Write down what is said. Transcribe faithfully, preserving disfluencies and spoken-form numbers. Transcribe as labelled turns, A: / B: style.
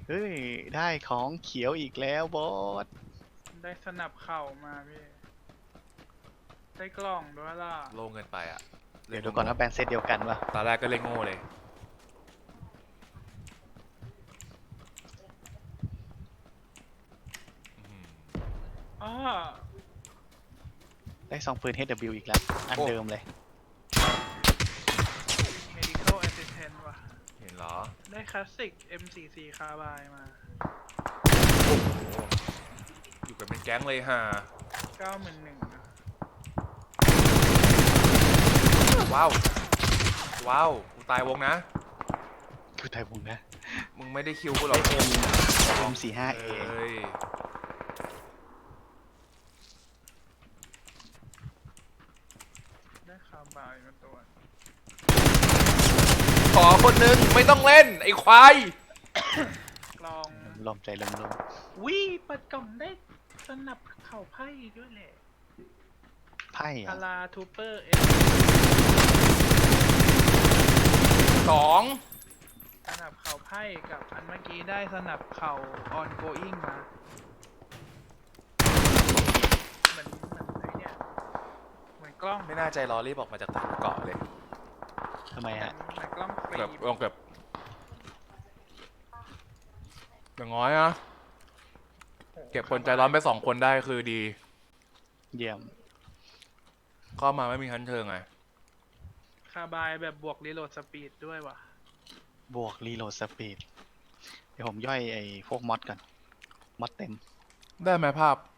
A: เฮ้ยได้ของเขียวอีกแล้วบอส
B: ได้สนับเข่ามาพี่ได้กล่องด้วยล่ะ
C: โล่งเกินไปอ่ะ
A: เดี๋ยวดูก่อนว่าแบรนด์เซตเดียวกันวะ
C: ตอนแรกก็เล่นโง่เลย
B: อ้อ
A: ได้ซองปืน เอช ดับเบิลยู อีกแล้วอันเดิมเลย
B: medical assistant ว่ะ
C: เห็นเหรอ
B: ได้คลาสสิก เอ็ม สี่สิบสี่ คาร์บายมา
C: โอ้โหอยู่กันเป็นแก๊งเลยฮะ
B: เก้าหมื่นหนึ่งอะ
C: ว้าวว้าวกูตายวงนะ
A: คือไทยบุญนะ
C: มึงไม่ได้คิวกูหรอก
A: เอ็ม เอ็ม สี่ห้า เอ
C: เอ้ย
B: ได้คาร์บายมาตัว
C: ขอคนหนึ่งไม่ต้องเล่นไอ้ควาย
B: กล่อง
A: ลมใจลมลม
B: วิเปิดกล่องได้สนับเข่าไพ่ด้วยแหละ
A: ไพ่
B: อา
A: อะ
B: ราทูเปอร์เอส
C: สอง
B: สนับเข่าไพ่กับอันเมื่อกี้ได้สนับเข่า ongoing มาเหมือนเหมือนไอ้เนี่ยเหมือนกล้อง
C: ไม่น่าใจร้อนรีบออกมาจากเกาะเลย
A: ทำไมฮะ
B: เหมือนกล้องฟรี
C: แบบลองแบบอย่างน้อยนะเก็บคนใจร้อนไปสองคนได้คือดี
A: เยี่ยม
C: เข้ามาไม่มีชั้นเชิงไง
B: คาร์บายแบบบวกรีโหลดสปีดด้วยว่ะ
A: บวกรีโหลดสปีดเดี๋ยวผมย่อยไอ้พวกมอดก่อนมอดเต็ม
C: ได้ไหมภาพ